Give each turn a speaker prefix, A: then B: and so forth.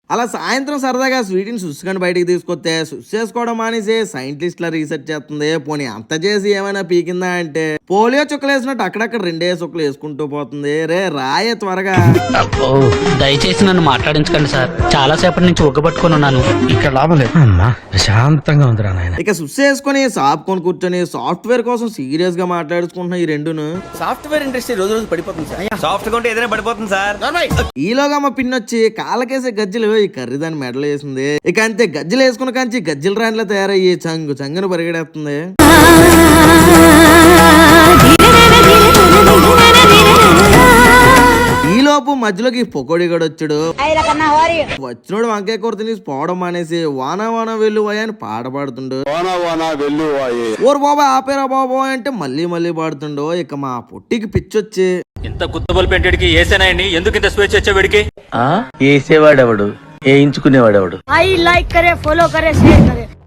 A: అలా సాయంత్రం సరదాగా స్వీట్ని సుస్సుకొని బయటికి తీసుకొస్తే సుస్ చేసుకోవడం మానేసి సైంటిస్ట్ల రీసెర్చ్ చేస్తుంది. పోనీ అంత చేసి ఏమైనా పీకిందా అంటే పోలియో చుక్కలు వేసినట్టు అక్కడక్కడ 2 చుక్కలు వేసుకుంటూ పోతుంది. రే రాయే త్వరగా.
B: దయచేసి నన్ను మాట్లాడించకండి సార్, చాలా సేపటి నుంచి ఒగ్గబట్టుకొని ఉన్నాను.
C: ఇక్కడ లాభం లేదు అమ్మా, ప్రశాంతంగా ఉందిరా నాయన.
A: ఇక సుస్ వేసుకొని షాప్ కొని కూర్చొని సాఫ్ట్వేర్ కోసం సీరియస్ గా మాట్లాడుకుంటున్న ఈ రెండును.
D: సాఫ్ట్వేర్ ఇండస్ట్రీ రోజు రోజు పడిపోతుంది సార్. సాఫ్ట్ గా ఉంటే ఏదైనా పడిపోతుంది సార్.
A: ఈలోగా మా పిన్నొచ్చి కాళ్ళకేసే గజ్జలు ఈ కర్రీ దాని మెడలు వేసింది. ఇక అంతే గజ్జలు వేసుకున్న కాంచి గజ్జల రాన్లా తయారయ్యి చంగును పరిగెడేస్తుంది. ఈలోపు మధ్యలోకి పొకోడి గడు వచ్చాడు. వచ్చినోడు వంకాయ కూర తిని పోవడం మానేసి వానా వానా వెల్లువాయి అని పాట పాడుతుండు. ఓరు బాబా ఆపేరా బాబా అంటే మళ్ళీ పాడుతుండో. ఇక మా పొట్టికి పిచ్చొచ్చి
E: ఇంత గుత్తబల్ పెంటడికి ఏసేనాయండి, ఎందుకు ఇంత స్వేచ్ఛ వచ్చేవాడికి?
D: వేసేవాడెవడు, వేయించుకునేవాడెవడు?
F: आई लाइक करे, फॉलो करे, शेयर करे.